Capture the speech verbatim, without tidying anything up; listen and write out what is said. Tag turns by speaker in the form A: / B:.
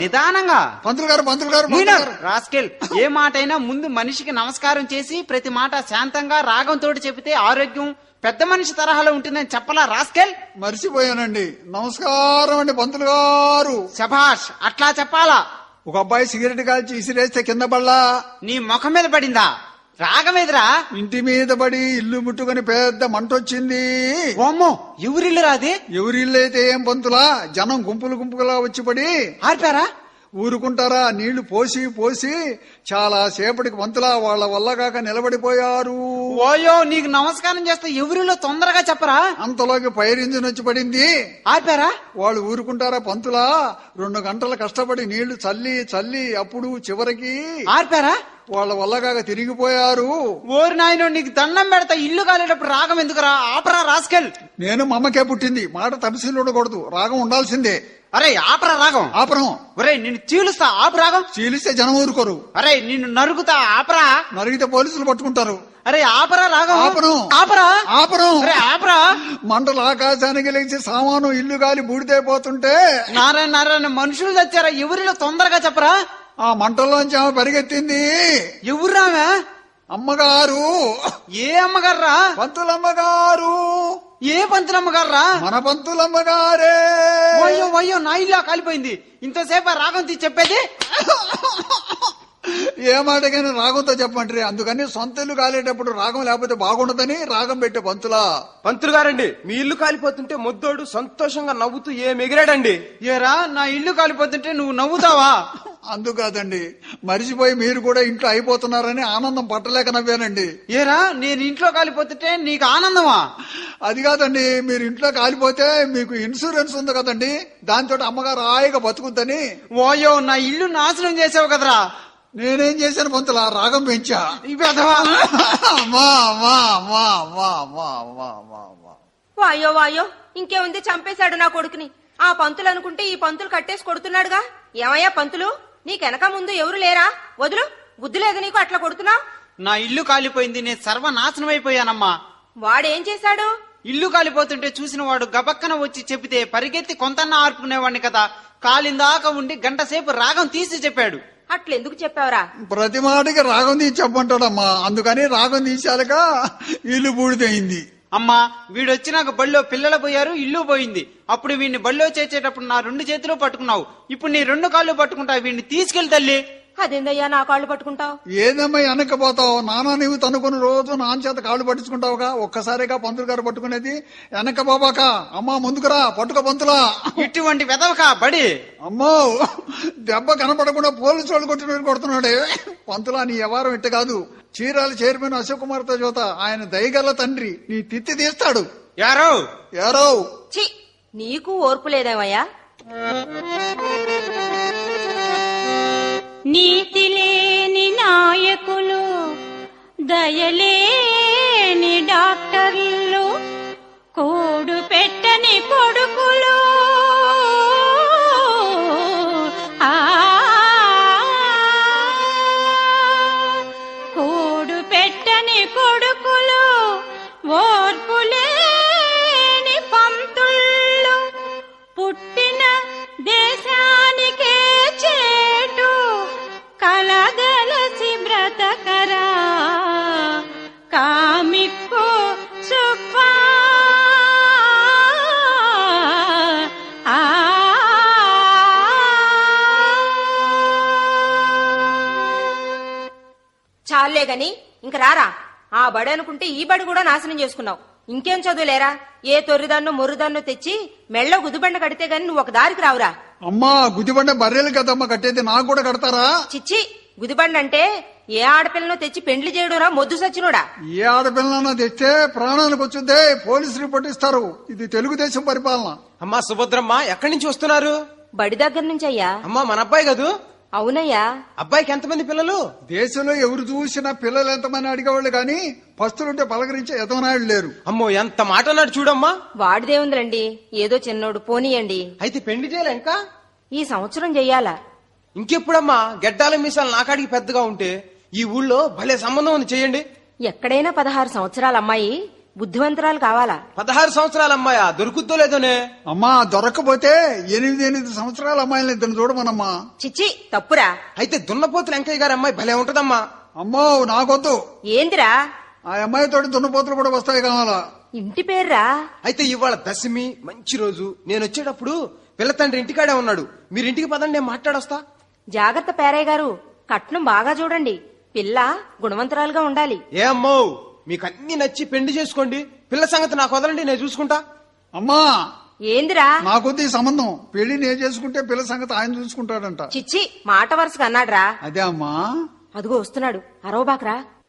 A: నిదానంగా.
B: పంతులు గారు పంతులు గారు
A: రాస్కెల్, ఏ మాట అయినా ముందు మనిషికి నమస్కారం చేసి ప్రతి మాట శాంతంగా రాగంతో చెబితే ఆరోగ్యం పెద్ద మనిషి తరహాలో ఉంటుందని చెప్పలా రాస్కెల్?
B: మర్చిపోయానండి. నమస్కారం అండి పంతులు గారు.
A: శభాష్, అట్లా చెప్పాలా.
B: ఒక అబ్బాయి సిగరెట్ కాల్చి ఇసిరేస్తే కింద పడలా.
A: నీ ముఖం మీద పడిందా? రాగమేదిరా?
B: ఇంటి మీద పడి ఇల్లు ముట్టుకుని పెద్ద మంట వచ్చింది.
A: ఓమ్మో, ఎవరిల్లు రాది?
B: ఎవరిల్లు అయితే ఏం పంతులా, జనం గుంపులు గుంపులుగా వచ్చి పడి
A: ఆర్పారా?
B: ఊరుకుంటారా? నీళ్లు పోసి పోసి చాలా సేపటికి పంతులా వాళ్ళ వల్ల కాక నిలబడిపోయారు.
A: ఓయో, నీకు నమస్కారం చేస్తే ఎవరిలో తొందరగా చెప్పరా?
B: అంతలోకి ఫైర్ ఇంజిన్ వచ్చి పడింది.
A: ఆర్పారా?
B: వాళ్ళు ఊరుకుంటారా పంతులా? రెండు గంటలు కష్టపడి నీళ్లు చల్లి చల్లి అప్పుడు చివరికి
A: ఆర్పారా?
B: వాళ్ళ వల్ల కాక తిరిగిపోయారు.
A: ఓరి నాయనో, నీకు దండం పెడతా. ఇల్లు కాలేటప్పుడు రాగం ఎందుకురా? ఆపరా రాస్కెల్.
B: నేను మా అమ్మకే పుట్టింది, మాట తపశీలు ఉండకూడదు, రాగం ఉండాల్సిందే.
A: అరే ఆపరా రాగం.
B: ఆపరం.
A: ఒరే నిన్ను చీలుస్తా, ఆపు రాగం.
B: చీలిస్తే జనం ఊరుకోరు.
A: అరే నిన్ను నరుగుతా, ఆపరా.
B: నరిగితే పోలీసులు పట్టుకుంటారు.
A: అరే ఆపరా రాగం.
B: ఆపరం.
A: ఆపరా.
B: ఆపరం.
A: అరే ఆపరా.
B: మంటలు ఆకాశానికి లేచి సామాను ఇల్లు గాలి బూడిదైపోతుంటే
A: నారాయణ నారాయణ, మనుషులు తెచ్చారా? ఎవరిలో తొందరగా చెప్పరా?
B: ఆ మంటల్లోంచి ఆమె పరిగెత్తింది.
A: ఎవర్రామె?
B: అమ్మగారు.
A: ఏ అమ్మగారా?
B: పంతులమ్మగారు.
A: ఏ పంతులమ్మగారా?
B: మన పంతులమ్మగారే.
A: అయ్యో అయ్యో, నా ఇల్లు కాలిపోయింది. ఇంతసేపు రాగం తీసి చెప్పేది?
B: ఏ మాటకైనా రాగంతో చెప్పంటారు. అందుకని సొంత ఇల్లు కాలేటప్పుడు రాగం లేకపోతే బాగుండదని రాగం పెట్టే పంతులా.
C: పంతులు గారండి, మీ ఇల్లు కాలిపోతుంటే ముద్దోడు సంతోషంగా నవ్వుతూ ఏ ఎగిరాడండి.
A: ఏరా, నా ఇల్లు కాలిపోతుంటే నువ్వు నవ్వుతావా?
B: అందుకాదండి, మరిచిపోయి మీరు కూడా ఇంట్లో అయిపోతున్నారని ఆనందం పట్టలేక నవ్వానండి.
A: ఏరా, నేను ఇంట్లో కాలిపోతుంటే నీకు ఆనందమా?
B: అది కాదండి, మీరు ఇంట్లో కాలిపోతే మీకు ఇన్సూరెన్స్ ఉంది కదండి, దాంతో అమ్మగారు హాయిగా బతుకుద్దని.
A: ఓయో, నా ఇల్లు నాశనం చేసావు కదరా.
B: నేనేం చేశాను పంతులా? రాగం పెంచా.
D: వాయో వాయో, ఇంకేముంది, చంపేశాడు నా కొడుకుని. ఆ పంతులు అనుకుంటే ఈ పంతులు కట్టేసి కొడుతున్నాడుగా. ఏమయ్యా పంతులు, నీకెనక ముందు ఎవరు లేరా? వదులు, బుద్ధి లేదు నీకు, అట్లా కొడుతున్నావు.
A: నా ఇల్లు కాలిపోయింది, నేను సర్వనాశనం అయిపోయానమ్మా.
D: వాడేం చేశాడు?
A: ఇల్లు కాలిపోతుంటే చూసిన వాడు గబక్కన వచ్చి చెబితే పరిగెత్తి కొంతన్నా ఆర్పుకునేవాడిని కదా. కాలిందాకా ఉండి గంట సేపు రాగం తీసి చెప్పాడు.
D: అట్లెందుకు చెప్పావురా?
B: ప్రతి మాటకి రాగం తీసి చెప్పంటాడమ్మా, అందుకని రాగం తీసాక ఇల్లు బూడిదయింది.
A: అమ్మా, వీడొచ్చినాక బళ్ళో పిల్లలు పోయారు, ఇల్లు పోయింది. అప్పుడు వీడిని బళ్ళో చేర్చేటప్పుడు నా రెండు చేతులు పట్టుకున్నావు, ఇప్పుడు నీ రెండు కాళ్ళు పట్టుకుంటావు. వీడిని తీసుకెళ్లి తల్లి.
D: అదేందయ్యా నా కాళ్ళు పట్టుకుంటావు?
B: ఏదమ్మా వెనక్కపోతావు? నానా నీవు తనుకుని రోజు నాన్న చేత కాళ్ళు పట్టించుకుంటావుగా, ఒక్కసారిగా పంతులు గారు పట్టుకునేది. వెనక బాబాక అమ్మా ముందుకురా, పట్టుక పంతులా.
A: ఇటువంటి వెదవక బడి.
B: అమ్మో, దెబ్బ కనపడకుండా పోలీసు వాళ్ళు కొట్టిన కొడుతున్నాడే. పంతులా, నీ వ్యవహారం ఇట్ట కాదు. చీరాల చైర్మన్ అశోక్ కుమార్ తో చూత, ఆయన దయగల తండ్రి, నీ తిత్తి తీస్తాడు.
A: యారో
B: యారో.
D: చి, నీకు ఓర్పు లేదేమయ్యా?
E: నీతి లేని నాయకులు, దయలేని డాక్టర్లు, కూడు పెట్టని కొడుకులు, ఆ కూడు పెట్టని కొడుకులు, ఓర్పులేని పంతుళ్ళు, పుట్టిన దేశానికే చేటు కలగలసి బ్రతకరా కామిక్కు సుబ్బా.
D: చాలే గాని ఇంక రారా. ఆ బడి అనుకుంటే ఈ బడి కూడా నాశనం చేసుకున్నావు. ఇంకేం చదువులేరా? ఏ తొర్రిదాన్నో మొర్రిదాన్నో తెచ్చి మెళ్ళ గుదిబండ కడితే గాని నువ్వు ఒక దారికి రావురా.
B: అమ్మా, గుదిబండ బర్రెలు కదమ్మా కట్టేది, నాకు కూడా కడతారా?
D: చిచ్చి, గుదిబండ అంటే ఏ ఆడపిల్లను తెచ్చి పెండ్లి చేయడురా మొద్దు సచ్చినోడా.
B: ఏ ఆడపిల్లనన్నా తెస్తే ప్రాణానికి వచ్చిందే, పోలీసు రిపోర్ట్ ఇస్తారు. ఇది తెలుగుదేశం పరిపాలన.
C: అమ్మా సుభద్రమ్మ, ఎక్కడి నుంచి వస్తున్నారు?
D: బడి దగ్గర నుంచి అయ్యా.
C: అమ్మా, మన అబ్బాయి కదూ?
D: అవునయ్యా.
C: అబ్బాయికి ఎంతమంది పిల్లలు?
B: దేశంలో ఎవరు చూసినా పిల్లలు ఎంతమంది అడిగేవాళ్ళు గాని పస్తులుంటే పలకరించే ఎదవనాయుడు లేరు.
C: అమ్మో, ఎంత మాట అన్నాడు చూడమ్మా.
D: వాడిదేముందిలండి, ఏదో చిన్నోడు, పోనీయండి.
C: అయితే పెళ్లి చేయాలి ఇంకా?
D: ఈ సంవత్సరం చెయ్యాలా?
C: ఇంకెప్పుడమ్మా? గెడ్డాల మీసాలు నాకాడికి పెద్దగా ఉంటే ఈ ఊళ్ళో భలే సంబంధం ఉంది, చెయ్యండి.
D: ఎక్కడైనా పదహారు సంవత్సరాల అమ్మాయి బుద్ధివంతురాలు కావాలా?
C: పదహారు సంవత్సరాల అమ్మాయా దొరుకుద్దో లేదోనే.
B: అమ్మా దొరక్కపోతే ఎనిమిది ఎనిమిది సంవత్సరాల అమ్మాయిని ఇద్దరు చూడమనమ్మా.
D: చిచ్చి తప్పురా.
C: అయితే దున్నపోతులు వెంకయ్య గారి అమ్మాయి భలే ఉంటదమ్మా.
B: అమ్మో నాకొద్దు.
D: ఏందిరా?
B: ఆ అమ్మాయితోటి దున్నపోతులు కూడా వస్తాయి కావాలా.
D: ఇంటి పేర్రా?
C: అయితే ఇవాళ దశమి మంచి రోజు. నేను వచ్చేటప్పుడు పిల్ల తండ్రి ఇంటికాడే ఉన్నాడు. మీరు ఇంటికి పదండి, నేను మాట్లాడొస్తా.
D: జాగ్రత్త పేరయ్య గారు, కట్నం బాగా చూడండి. పిల్ల గుణవంతురాలుగా ఉండాలి.
C: ఏ అమ్మో, మీకు అన్ని నచ్చి పెళ్లి చేసుకోండి. పిల్ల సంగతి నాకు వదలండి, నేను చూసుకుంటా.
B: అమ్మా
D: ఏందిరా?
B: నాకొద్దు ఈ సంబంధం. పెళ్లి నేను చేసుకుంటే పిల్ల సంగతి ఆయన చూసుకుంటాడంట.
D: చిచ్చి మాట వరుసగా అన్నాడ్రా.
B: అదే అమ్మా.
D: అదిగో వస్తున్నాడు, అరవబాక్రా.